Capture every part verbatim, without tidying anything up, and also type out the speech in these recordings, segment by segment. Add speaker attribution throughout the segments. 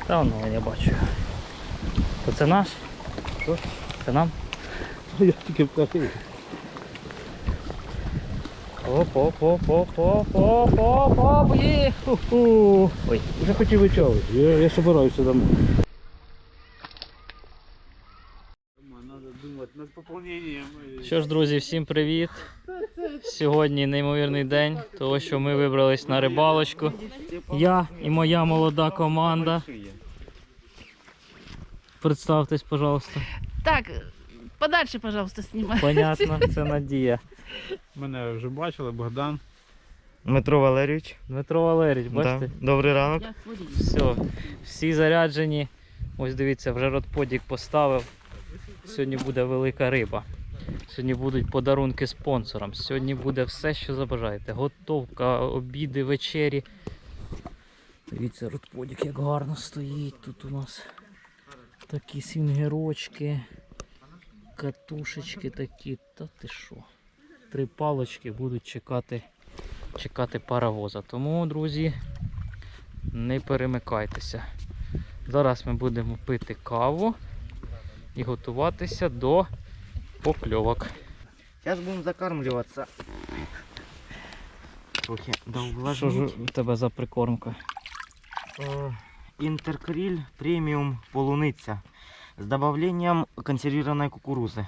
Speaker 1: Та воно я бачу. То це наш?
Speaker 2: Що?
Speaker 1: Це нам?
Speaker 2: Я тільки вкатив.
Speaker 1: Оп, оп, оп, оп, оп, оп, оп, оп, є. Ху-ху. Ой.
Speaker 2: Вже хотів вичавити. Я, я собираюся домой. Надо думати над поповненням.
Speaker 1: Що ж, друзі, всім привіт. Сьогодні неймовірний день, тому що ми вибрались на рибалочку. Я і моя молода команда. Представтесь, пожалуйста.
Speaker 3: Так, подальше, пожалуйста, снимай.
Speaker 1: Понятно, це Надія.
Speaker 2: Мене вже бачили, Богдан.
Speaker 4: Дмитро Валерійович.
Speaker 1: Дмитро Валерійович, бачите?
Speaker 4: Да. Добрий ранок.
Speaker 3: Я хворію.
Speaker 1: Все, всі заряджені. Ось дивіться, вже родподік поставив. Сьогодні буде велика риба. Сьогодні будуть подарунки спонсорам. Сьогодні буде все, що забажаєте. Готовка, обіди, вечері. Дивіться, родподік як гарно стоїть. Тут у нас такі свінгерочки, катушечки такі. Та ти що? Три палочки будуть чекати, чекати паровоза. Тому, друзі, не перемикайтеся. Зараз ми будемо пити каву і готуватися до покльовок.
Speaker 4: Зараз будемо закармлюватися. Трохи
Speaker 1: Що ж
Speaker 4: довлажніть.
Speaker 1: у тебе за прикормка?
Speaker 4: Інтеркриль преміум полуниця з добавленням консервованої кукурузи.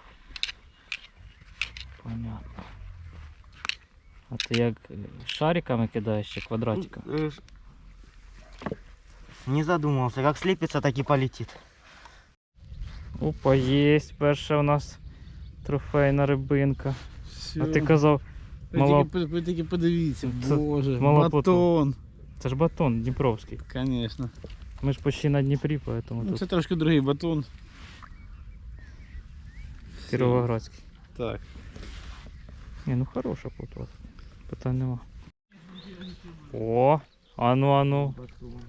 Speaker 1: Понятно. А ти як шариками кидаєш чи квадратиками?
Speaker 4: Е, ж- Не задумався, як сліпиться, так і полетить.
Speaker 1: Опа, є перша у нас трофейна рибинка.
Speaker 2: Все.
Speaker 1: А ти казав,
Speaker 2: Ви
Speaker 1: мала...
Speaker 2: тільки, ви тільки подивіться,
Speaker 1: Це
Speaker 2: боже,
Speaker 1: мала
Speaker 2: батон.
Speaker 1: це ж батон дніпровський.
Speaker 2: Звісно.
Speaker 1: Ми ж почти на Дніпрі, поэтому
Speaker 2: Ну,
Speaker 1: тут
Speaker 2: це трошки другий батон.
Speaker 1: Кіровоградський.
Speaker 2: Так.
Speaker 1: Ні, ну хороша плотва. Питань нема. О, ану, ану.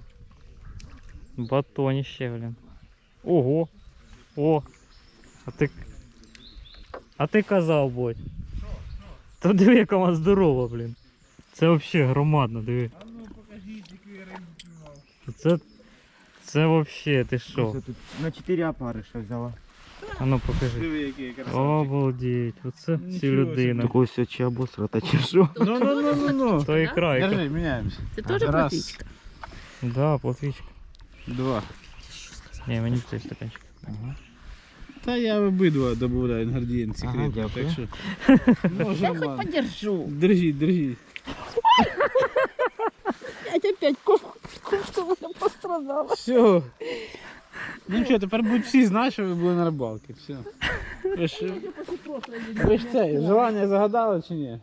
Speaker 1: Батоніще, блін. Ого. О. А ти. А ти казав, Бодь. Та диви, яка вона здорова, блін. Це взагалі громадно, диви.
Speaker 2: А ну покажіть, яку я рибу піймав.
Speaker 1: Це. Це взагалі, ти що?
Speaker 4: На чотири опариша взяла.
Speaker 1: А ну покажи.
Speaker 2: Диви, який красавчик.
Speaker 1: Обалдеть, оце
Speaker 2: Нічого
Speaker 1: ці людина.
Speaker 4: Такой все чи обосрата, чи що?
Speaker 2: Ну, ну, ну, ну, ну.
Speaker 1: То ікра, ікра.
Speaker 2: Держи, міняємося.
Speaker 3: Це теж
Speaker 2: Раз.
Speaker 3: платічка?
Speaker 1: Да, плотвічка.
Speaker 2: Два.
Speaker 1: Ні, мені цей стаканчик.
Speaker 4: Ага.
Speaker 2: Та я обидва додаю інгредієнт
Speaker 4: Ага,
Speaker 2: секретний,
Speaker 4: дякую.
Speaker 2: так що може
Speaker 3: Я хоть
Speaker 2: мати.
Speaker 3: подержу.
Speaker 2: Держіть, держіть.
Speaker 3: Опять, опять, кошка пострадала.
Speaker 2: Все. Ну що, тепер будуть всі знати, що ви були на рибалці. Все. Ви ж, ви ж це, желання загадали чи ні?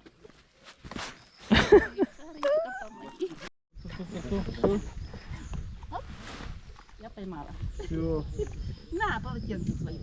Speaker 3: Я поймала.
Speaker 2: Все.
Speaker 3: На, полотенце свое.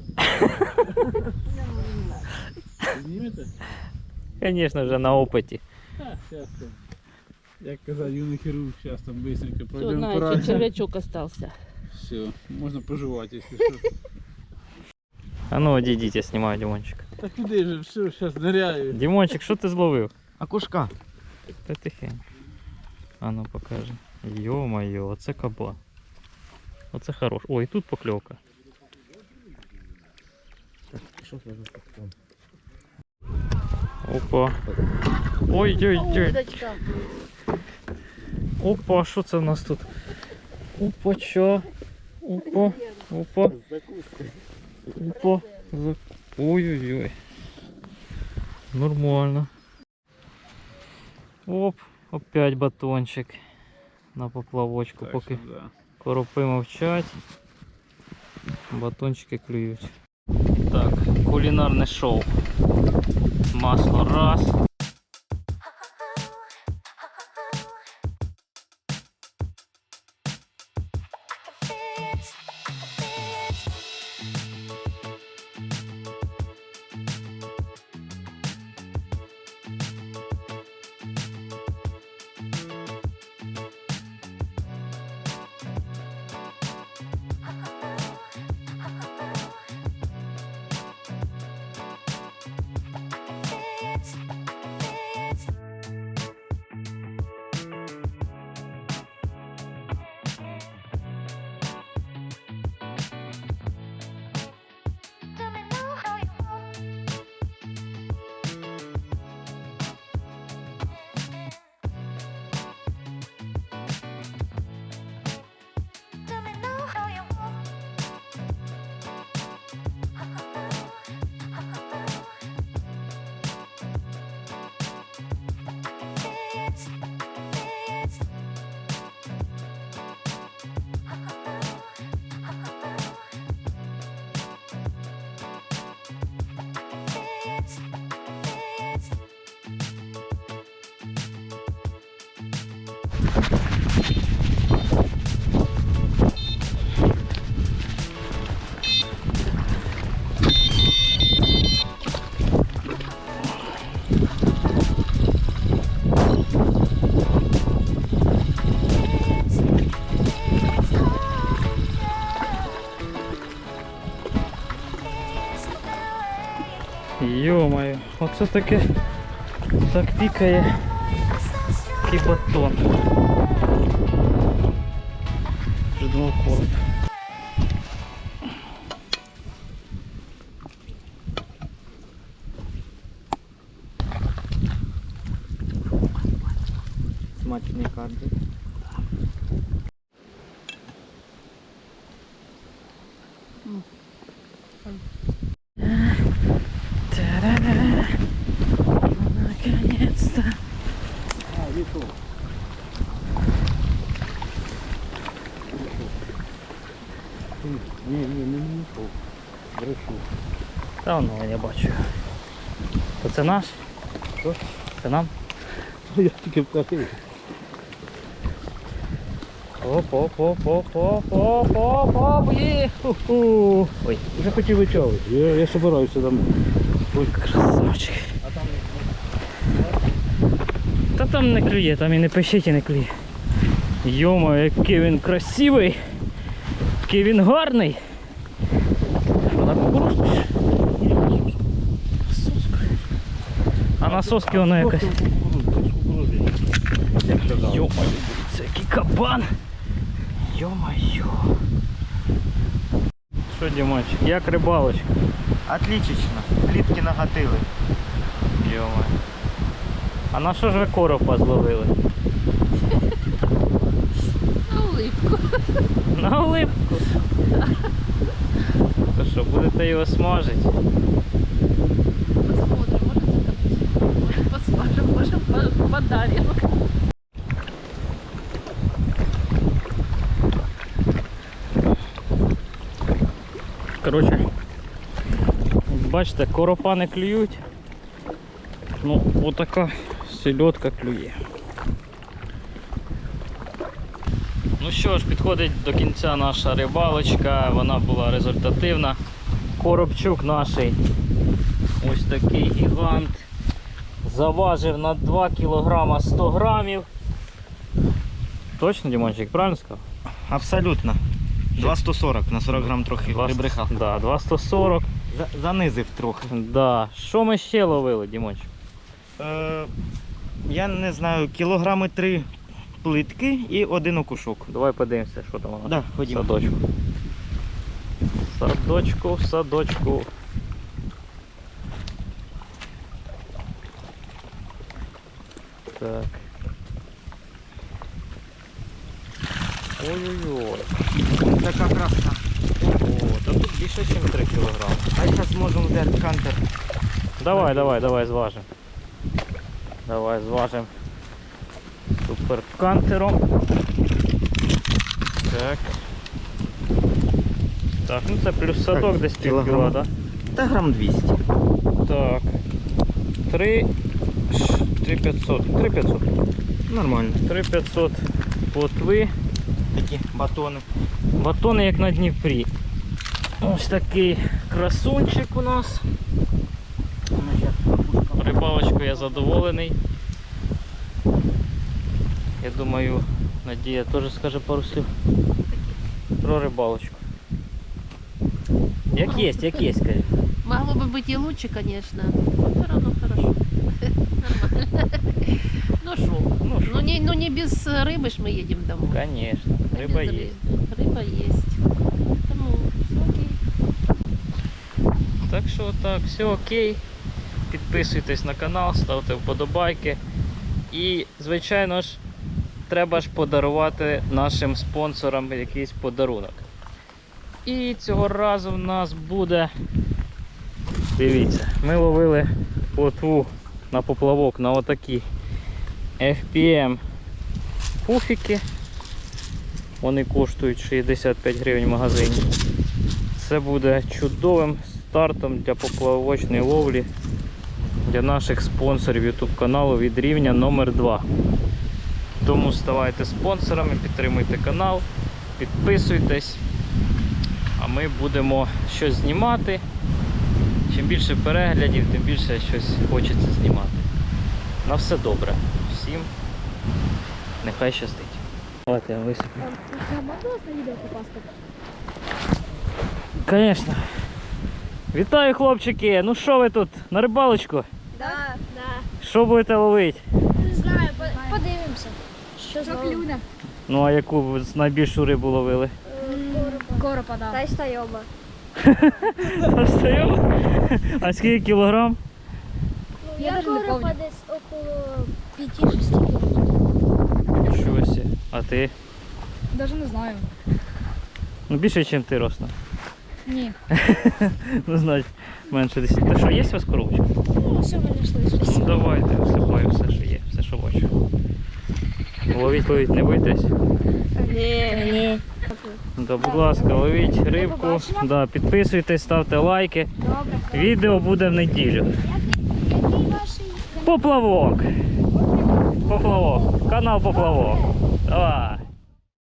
Speaker 2: Знімете?
Speaker 1: Звісно, вже на опиті.
Speaker 2: Так, зараз там. Як казав юний хірург, зараз там быстренько
Speaker 3: Все,
Speaker 2: пройдемо
Speaker 3: на,
Speaker 2: по
Speaker 3: еще червячок остался.
Speaker 2: Все, можна пожувати, якщо що.
Speaker 1: А ну одійдіть, я знімаю Дімончик.
Speaker 2: Та куди же, все, зараз ныряю.
Speaker 1: Дімончик, що ти зловив?
Speaker 4: Окушка.
Speaker 1: Та тихенько. А ну покажи. Йо-моє, оце кабан. Оце хорош. Ой, тут покльовка.
Speaker 4: Так, що це за таке?
Speaker 1: Опа. Ой-ой-ой.
Speaker 3: Удочка.
Speaker 1: Опа, що це в нас тут? Опа, чо? Опа, опа. Опа. За- Ой-ой-ой. Нормально. Оп, опять батончик на поплавочку.
Speaker 2: Так,
Speaker 1: Поки
Speaker 2: що, да.
Speaker 1: коропи мовчать, батончики клюють. Так, кулінарне шоу. Масло раз. Йо-моє, оце таке так пікає і батон. Вже думав короб.
Speaker 4: Смачный карбик.
Speaker 1: Та-да-да. Наконец-то.
Speaker 2: Ні, ні, не знайшов. Брешу.
Speaker 1: Та воно я бачу. То це наш?
Speaker 2: Що?
Speaker 1: Це нам?
Speaker 2: Я тільки вкатив.
Speaker 1: Оп, оп, оп, оп, оп, оп, оп, оп, є. Ху-ху. Ой,
Speaker 2: Вже хотів витягувати. Я, я собираюся там.
Speaker 1: ой, красавчик. Та там не клює, там і не пищить, і не клює. Йома, який він красивий, який він гарний. Що, на кукурузку? чи? Соска. А на соски воно якось. Йома, це який кабан. Йо-моє. Що, Дімончик, як рибалочка?
Speaker 4: Отлично. Плітки нагатили.
Speaker 1: Йома. А на що ж ви коропа зловили?
Speaker 3: На улыбку.
Speaker 1: На улипку. То що, будете його смажити?
Speaker 3: Посмотрим, может закопать. Может посмотрим, может по- подарим.
Speaker 1: Коротше, бачите, коропа не клюють. Ну, отака сельодка клює. Ну що ж, підходить до кінця наша рибалочка, вона була результативна. Коробчук наш, ось такий гігант, заважив на два кілограма сто грамів. Точно, Дімончик, правильно сказав?
Speaker 4: Абсолютно. два сто сорок, на сорок грам трохи
Speaker 1: Два-
Speaker 4: прибрехав.
Speaker 1: Да, два сто сорок.
Speaker 4: За- Занизив трохи.
Speaker 1: Да. Що ми ще ловили, Дімончик?
Speaker 4: Е, я не знаю, кілограми три плитки і один окушок.
Speaker 1: Давай подивимося, що там у нас.
Speaker 4: Да,
Speaker 1: В
Speaker 4: ходімо.
Speaker 1: садочку. В садочку, в садочку. Так. Ой-ой-ой.
Speaker 4: Така красна.
Speaker 1: О, та тут більше, ніж три кілограми.
Speaker 4: А зараз можемо взяти кантер.
Speaker 1: Давай, давай, давай зважимо. Давай зважимо суперкантером. Так. Так, ну це плюс садок
Speaker 4: Так,
Speaker 1: десь пів
Speaker 4: кілограм.
Speaker 1: кіла, да?
Speaker 4: Та грам двісті.
Speaker 1: Так. три п'ятсот. три п'ятсот.
Speaker 4: Нормально.
Speaker 1: три п'ятсот плотви.
Speaker 4: Такі батони.
Speaker 1: Батони як на Дніпрі. Ось такий красунчик у нас. Рибалочкою я задоволений. Я думаю, Надія теж скаже пару слів про рибалочку. Як є, як є, скажи.
Speaker 3: Могло бы быть и лучше, конечно. Но все равно хорошо. Нормально. Ну что?
Speaker 1: Ну,
Speaker 3: Ну не, ну не без рыбы ж мы едем домой.
Speaker 1: Конечно,
Speaker 3: Без
Speaker 1: риба є.
Speaker 3: рыбы. Рыба есть. Поэтому все окей.
Speaker 1: Так що так, все окей. Підписуйтесь на канал, ставте вподобайки. І, звичайно ж, треба ж подарувати нашим спонсорам якийсь подарунок. І цього разу в нас буде, дивіться, ми ловили плотву на поплавок на отакі еф пі ем пуфіки. Вони коштують шістдесят п'ять гривень в магазині. Це буде чудовим стартом для поплавочної ловлі для наших спонсорів YouTube каналу від рівня номер два. Тому ставайте спонсорами, підтримуйте канал, підписуйтесь. А ми будемо щось знімати. Чим більше переглядів, тим більше щось хочеться знімати. На все добре. Всім нехай щастить. Давайте я висиплю.
Speaker 5: Можна на відео попасти?
Speaker 1: Звісно. Вітаю, хлопчики! Ну що ви тут? На рибалочку?
Speaker 5: Да. Да.
Speaker 1: Що будете ловити?
Speaker 5: Не знаю, по- подивимося. Що за клюне?
Speaker 1: Ну а яку ви найбільшу рибу ловили?
Speaker 5: Коропа, да. Та й стайоба.
Speaker 1: Та встаємо? А скільки кілограм?
Speaker 5: Ну, я коропа десь около п'яти-шести кілограмів.
Speaker 1: Нічого сі. А ти?
Speaker 5: Даже не знаю.
Speaker 1: Ну більше, ніж ти росла.
Speaker 5: Ні.
Speaker 1: Ну, значить, менше десять. Та що, є у вас коробочка?
Speaker 5: Ну, все ми знайшли.
Speaker 1: Ну давайте, всипаю все, що є, все, що бачу. Ловіть, ловіть, не бойтесь.
Speaker 5: Ні. Ні.
Speaker 1: Да, будь ласка, ловіть рибку.
Speaker 5: побачення.
Speaker 1: Да, підписуйтесь, ставте лайки.
Speaker 5: Добре.
Speaker 1: Відео буде в неділю.
Speaker 5: Який ваший?
Speaker 1: Поплавок. Поплавок. Канал Поплавок. Давай.